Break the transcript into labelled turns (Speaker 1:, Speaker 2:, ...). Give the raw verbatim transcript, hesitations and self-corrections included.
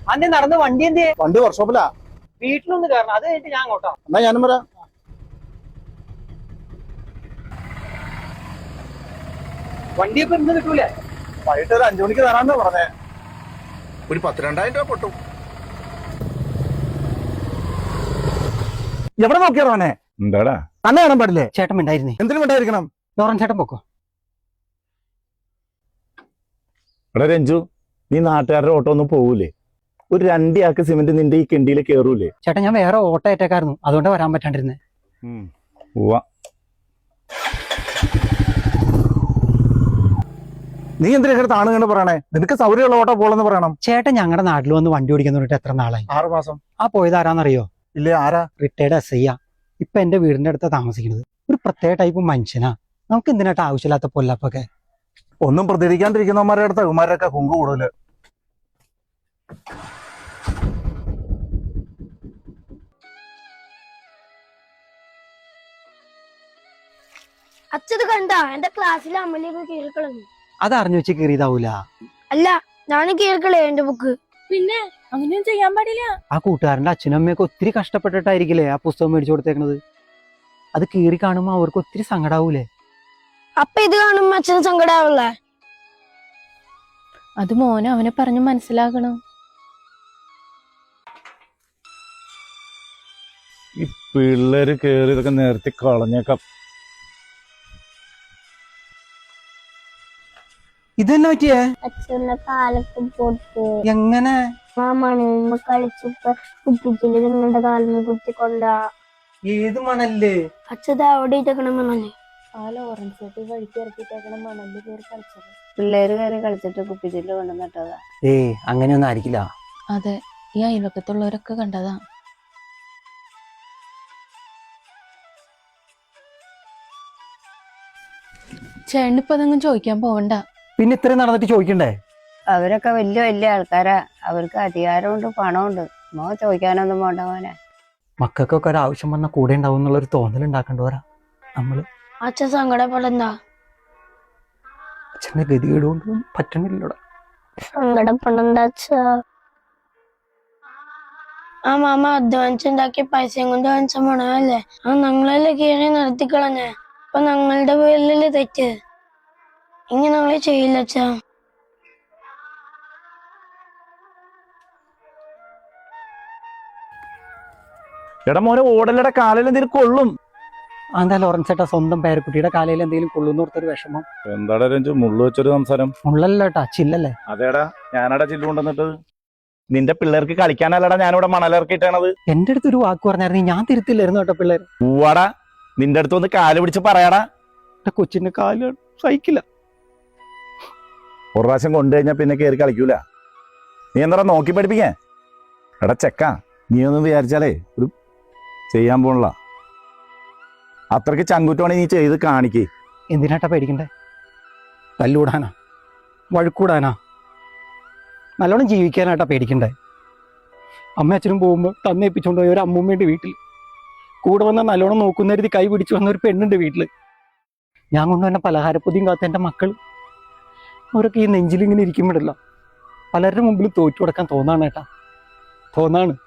Speaker 1: അന്നെ നടന്ന് വണ്ടി എന്ത്
Speaker 2: വണ്ടി വർക്ക്ഷോപ്പിലാ.
Speaker 1: വീട്ടിലൊന്ന് കയറണം, അത് കഴിഞ്ഞിട്ട് ഞാൻ അങ്ങോട്ടാ.
Speaker 2: എന്നാ ഞാനും വരാം.
Speaker 1: വണ്ടിയൊക്കെ ഇന്ന് കിട്ടൂലേ?
Speaker 2: വൈകിട്ട് ഒരു അഞ്ചു മണിക്ക് തരാന്നാ പറഞ്ഞേ.
Speaker 3: ഒരു പത്ത് രണ്ടായിരം രൂപ പൊട്ടും.
Speaker 2: എവിടെ നോക്കിയാറോനെ?
Speaker 4: എന്താടാ
Speaker 2: തന്നെ കാണാൻ പാടില്ലേ?
Speaker 1: ചേട്ടൻ ഉണ്ടായിരുന്നേ.
Speaker 2: എന്തിനും ഉണ്ടായിരിക്കണം?
Speaker 1: ലോറൻ ചേട്ടൻ പൊക്കോ.
Speaker 4: എടാ രഞ്ജു, നീ നാട്ടുകാരുടെ ഓട്ടോ ഒന്നും പോകൂലേ? ഒരു രണ്ടിയാക്ക് സിമെന്റ് നിന്റെ ഈ കിണ്ടിയിൽ കേറൂലേ?
Speaker 1: ചേട്ടൻ ഞാൻ വേറെ ഓട്ടോ ഏറ്റേക്കായിരുന്നു, അതുകൊണ്ട് വരാൻ പറ്റാണ്ടിരുന്നേ.
Speaker 2: നീ എന്തിനാ താണ് കണ്ട് പറയണേ? നിനക്ക് സൗകര്യമുള്ള ഓട്ടോ പോളെന്ന് പറയണം.
Speaker 1: ചേട്ടൻ ഞങ്ങളുടെ നാട്ടിൽ വന്ന് വണ്ടി ഓടിക്കാൻ തുടങ്ങിട്ട് എത്ര നാളായി?
Speaker 2: ആറു മാസം.
Speaker 1: ആ പോയത് ആരാന്നറിയോ?
Speaker 2: ഇല്ലേ, ആരാ?
Speaker 1: Retired S I. ഇപ്പൊ എന്റെ വീടിന്റെ അടുത്ത് താമസിക്കുന്നത്. ഒരു പ്രത്യേക ടൈപ്പ് മനുഷ്യനാ. നമുക്ക് എന്തിനായിട്ട് ആവശ്യമില്ലാത്ത പൊല്ലപ്പൊക്കെ.
Speaker 2: ഒന്നും പ്രതികരിക്കാണ്ടിരിക്കുന്നവന്മാരുടെ അടുത്ത് ഇവന്മാരൊക്കെ കുങ്കു കൂടുതല്.
Speaker 5: അച്ഛത് കണ്ട എന്റെ ക്ലാസ്സിലെ അമ്മലേക്ക് കീറിക്കളഞ്ഞു.
Speaker 1: അത് അറിഞ്ഞു വെച്ച് കീറിയതാവൂല.
Speaker 5: അല്ല, ഞാൻ കീറിക്കളേ എന്റെ ബുക്ക്.
Speaker 6: പിന്നെ അങ്ങനെയൊന്നും ചെയ്യാൻ പാടില്ല.
Speaker 1: ആ കൂട്ടുകാരന്റെ അച്ഛനും അമ്മയൊക്കെ ഒത്തിരി കഷ്ടപ്പെട്ടിട്ടായിരിക്കില്ലേ ആ പുസ്തകം മേടിച്ചു കൊടുത്തേക്കണത്. അത് കീറി കാണുമ്പോ അവർക്ക് ഒത്തിരി സങ്കടാവൂലേ?
Speaker 5: അപ്പൊ ഇത് കാണുമ്പോ അച്ഛന് സങ്കടാവില്ലേ?
Speaker 6: അത് മോനെ അവനെ പറഞ്ഞു മനസ്സിലാക്കണം.
Speaker 4: ഈ പിള്ളേര് കേറി ഇതൊക്കെ നേരത്തെ കളഞ്ഞേക്കാം.
Speaker 1: ഇതെന്നെ പറ്റിയേ?
Speaker 5: അച്ഛന്റെ കാലൊക്കെ പൊട്ട്.
Speaker 1: എങ്ങനെ?
Speaker 5: ആ മണലിന് കളിച്ചിപ്പോ കുപ്പിച്ചില് നിങ്ങളുടെ കാലിന് കുത്തിക്കൊണ്ടാ.
Speaker 1: ഏത് മണല്ലേ?
Speaker 5: അച്ഛത് അവിടെ ഇട്ടേക്കണ മണല്.
Speaker 6: ആ ലോറൻസ് ചേട്ടി വഴിക്ക് ഇറക്കിട്ടേക്കണ മണലിൽ കയറി കളിച്ചത്.
Speaker 7: പിള്ളേര് കയറി കളിച്ചിട്ട് കുപ്പിച്ചില് കൊണ്ടുവന്നിട്ടതാ.
Speaker 1: ഏയ് അങ്ങനെയൊന്നും ആയിരിക്കില്ല.
Speaker 6: അതെ, ഈ അയൽവക്കത്തുള്ളവരൊക്കെ കണ്ടതാ. ചേട്ടനിപ്പോ അതൊന്നും ചോദിക്കാൻ പോവണ്ട.
Speaker 1: പിന്നെ ഇത്രയും നടന്നിട്ട് ചോദിക്കണ്ടേ?
Speaker 7: അവരൊക്കെ വലിയ വലിയ ആൾക്കാരാ. അവർക്ക് അധികാരമുണ്ട്, പണമുണ്ട്. മോ ചോദിക്കാനൊന്നും പോണ്ട മോനെ.
Speaker 1: മക്കൾക്കൊക്കെ ഒരാവശ്യം വന്നാൽ കൂടെ ഉണ്ടാവും എന്നുള്ളൊരു തോന്നൽ ഉണ്ടാക്കണ്ടവരാ നമ്മള്.
Speaker 5: അച്ഛൻ സങ്കടപ്പെടണ്ട.
Speaker 1: അച്ഛന്റെ ഗതികേട് കൊണ്ടൊന്നും പറ്റണില്ലടാ.
Speaker 5: സങ്കടപ്പെടണ്ട അച്ഛ. ആ മാമ അധ്വാനിച്ചുണ്ടാക്കിയ പൈസയും കൊണ്ട് വാങ്ങിച്ച മണമല്ലേ ആ ഞങ്ങളല്ലേ കീറി നടത്തിക്കളഞ്ഞേ. അപ്പൊ ഞങ്ങളുടെ പേരിലല്ലേ തെറ്റ്. ഇനി ഞങ്ങളെ ചെയ്യില്ല അച്ഛാ.
Speaker 4: എടാ മോനെ, ഓടലയുടെ കാലിൽ എന്തെങ്കിലും കൊള്ളും.
Speaker 1: എന്താ ലോറൻസ് ചേട്ടാ, സ്വന്തം പേരക്കുട്ടിയുടെ കാലയിൽ എന്തെങ്കിലും കൊള്ളുന്ന ഓർത്തൊരു വിഷമം.
Speaker 4: എന്താടാ രഞ്ജു മുള്ളു വെച്ചൊരു സംസാരം?
Speaker 1: ഉള്ളല്ലോ കേട്ടാ, ചില്ലല്ലേ?
Speaker 4: അതേടാ, ഞാനടാ ചില്ലു കൊണ്ടുവന്നിട്ട്. നിന്റെ പിള്ളേർക്ക് കളിക്കാനല്ലടാ ഞാനിവിടെ മണലിറക്കിയിട്ടാണത്.
Speaker 1: എന്റെ അടുത്ത് ഒരു വാക്ക് പറഞ്ഞായിരുന്നു, ഞാൻ തിരുത്തില്ലായിരുന്നു കേട്ടോ പിള്ളേർ.
Speaker 4: പൂവാടാ, നിന്റെ അടുത്ത് ഒന്ന് കാല് പിടിച്ച് പറയാടാ.
Speaker 1: കൊച്ചിന്റെ കാല് സഹിക്കില്ല.
Speaker 4: ഒരു പ്രാവശ്യം കൊണ്ടു കഴിഞ്ഞാൽ പിന്നെ കയറി കളിക്കൂല. നീ എന്താ നോക്കി പഠിപ്പിക്കേ? എടാ ചെക്ക, നീ ഒന്നും വിചാരിച്ചാലേ ഒരു ചെയ്യാൻ പോണില്ല. അത്രയ്ക്ക് ചങ്കുറ്റോണെ നീ ചെയ്ത് കാണിക്കേ.
Speaker 1: എന്തിനാട്ടാ പേടിക്കണ്ടേ? തല്ലൂടാനാ? വഴുക്കൂടാനാ? നല്ലോണം ജീവിക്കാനായിട്ടാ പേടിക്കണ്ടേ? അമ്മ അച്ഛനും പോകുമ്പോൾ തന്നേപ്പിച്ചുകൊണ്ട് പോയ ഒരു അമ്മൂമ്മയുണ്ട് വീട്ടിൽ. കൂടെ വന്നാൽ നല്ലോണം നോക്കുന്നരുതി കൈ പിടിച്ചു വന്ന ഒരു പെണ്ണുണ്ട് വീട്ടിൽ. ഞാൻ കൊണ്ടുവന്ന പലഹാരപ്പൊതിയും കാത്ത എൻ്റെ മക്കൾ അവരൊക്കെ ഈ നെഞ്ചിലിങ്ങനെ ഇരിക്കുമ്പോഴല്ല പലരുടെ മുമ്പിൽ തോറ്റു കൊടുക്കാൻ തോന്നാണ് ഏട്ടാ, തോന്നാണ്.